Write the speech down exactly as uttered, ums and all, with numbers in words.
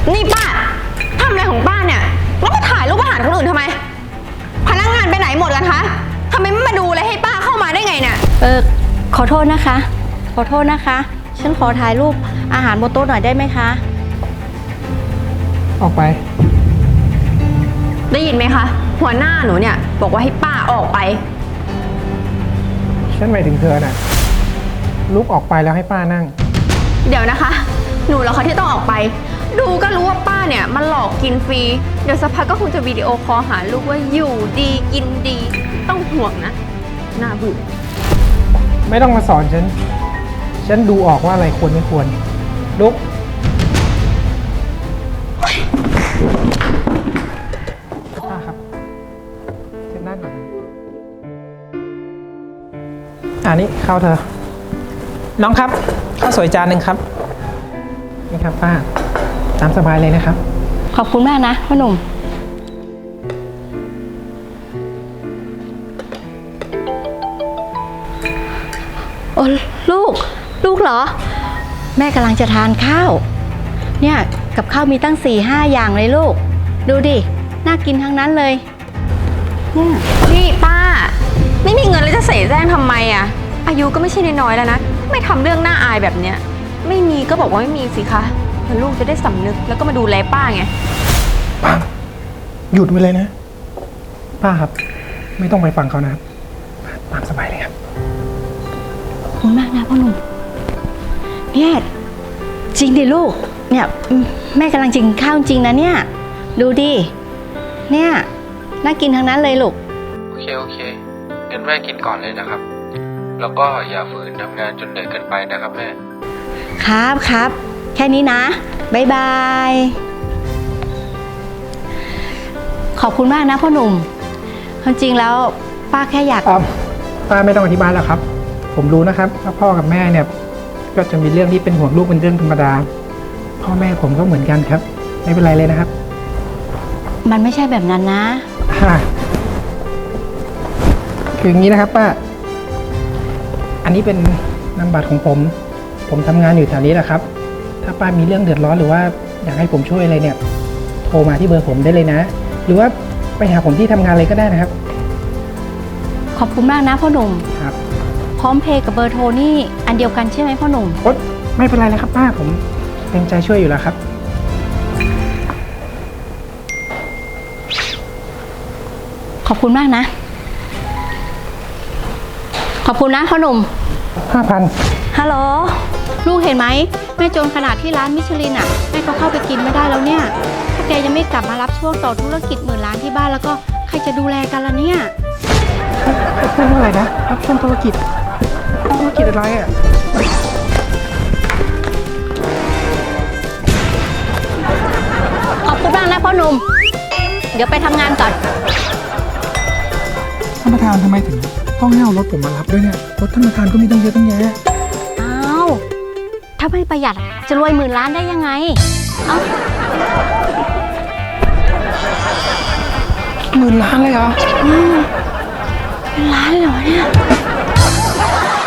นี่ป้าทำอะไรของป้าเนี่ยแล้วมาถ่ายรูปอาหารคนอื่นทำไมพนักงานไปไหนหมดกันคะทำไมไม่มาดูเลยให้ป้าเข้ามาได้ไงเนี่ยเออขอโทษนะคะขอโทษนะคะฉันขอถ่ายรูปอาหารบนโต๊ะหน่อยได้ไหมคะออกไปได้ยินไหมคะหัวหน้าหนูเนี่ยบอกว่าให้ป้าออกไปฉันหมายถึงเธอน่ะลุกออกไปแล้วให้ป้านั่งเดี๋ยวนะคะหนูเหรอคะที่ต้องออกไปดูก็รู้ว่าป้าเนี่ยมันหลอกกินฟรีเดี๋ยวสักพักก็คงจะวิดีโอคอลหาลูกว่าอยู่ดีกินดีต้องห่วงนะน่าเบื่อไม่ต้องมาสอนฉันฉันดูออกว่าอะไรควรไม่ควรลุกป้าครับเช็ดหน้าก่อนอันนี้ข้าวเธอน้องครับข้าวสวยจานหนึ่งครับนี่ครับป้าตามสบายเลยนะครับขอบคุณมากนะพ่อหนุ่มโอ้ลูกลูกเหรอแม่กำลังจะทานข้าวเนี่ยกับข้าวมีตั้งสี่ห้าอย่างเลยลูกดูดิน่ากินทั้งนั้นเลยเนี่ยนี่ป้าไม่มีเงินแล้วจะเสแสร้งทำไมอ่ะอายุก็ไม่ใช่น้อยๆแล้วนะไม่ทำเรื่องน่าอายแบบเนี้ยไม่มีก็บอกว่าไม่มีสิคะเพื่อลูกจะได้สำนึกแล้วก็มาดูแลป้าไงป้าหยุดไปเลยนะป้าครับไม่ต้องไปฟังเขานะตามสบายเลยครับขอบคุณมากนะพ่อหนุ่มเนี่ยจริงดิลูกเนี่ยแม่กำลังกินข้าวจริงนะเนี่ยดูดิเนี่ยน่ากินทั้งนั้นเลยลูกโอเคโอเคงั้นแม่กินก่อนเลยนะครับแล้วก็อย่าฝืนทำงานจนเหนื่อยเกินไปนะครับแม่ครับครับแค่นี้นะบ๊ายบายขอบคุณมากนะพ่อหนุ่มความจริงแล้วป้าแค่อยากป้าไม่ต้องอธิบายแล้วครับผมรู้นะครับว่าพ่อกับแม่เนี่ยก็จะมีเรื่องที่เป็นห่วงลูกเป็นเรื่องธรรมดาพ่อแม่ผมก็เหมือนกันครับไม่เป็นไรเลยนะครับมันไม่ใช่แบบนั้นนะคืออย่างนี้นะครับป้าอันนี้เป็นนามบัตรของผมผมทำงานอยู่แถวนี้แหละครับถ้าป้ามีเรื่องเดือดร้อนหรือว่าอยากให้ผมช่วยอะไรเนี่ยโทรมาที่เบอร์ผมได้เลยนะหรือว่าไปหาผมที่ทำงานเลยก็ได้นะครับขอบคุณมากนะพ่อหนุ่มครับพร้อมเพย์กับเบอร์โทรนี่อันเดียวกันใช่ไหมพ่อหนุ่มโอ๊ยไม่เป็นไรเลยครับป้าผมเต็มใจช่วยอยู่แล้วครับขอบคุณมากนะขอบคุณนะพ่อหนุ่มห้าพันฮัลโหลลูกเห็นไหมแม่จนขนาดที่ร้านมิชลินอ่ะแม่ก็เข้าไปกินไม่ได้แล้วเนี่ยถ้าแกยังไม่กลับมารับช่วงต่อธุรกิจหมื่นล้านที่บ้านแล้วก็ใครจะดูแลกันล่ะเนี่ยพูดว่าอะไรนะรับช่วงธุรกิจธุรกิจอะไรอ่ะขอบคุณมากนะพ่อหนุ่มเดี๋ยวไปทำงานก่อนท่านประธานทำไมถึงต้องให้เอารถผมมารับด้วยเนี่ยรถท่านประธานก็มีตั้งเยอะตั้งแยะอ้าวถ้าไม่ประหยัดจะรวยหมื่นล้านได้ยังไงเอ้าหมื่นล้านเลยเหรออืมเป็นล้านเลยเหรอเนี่ย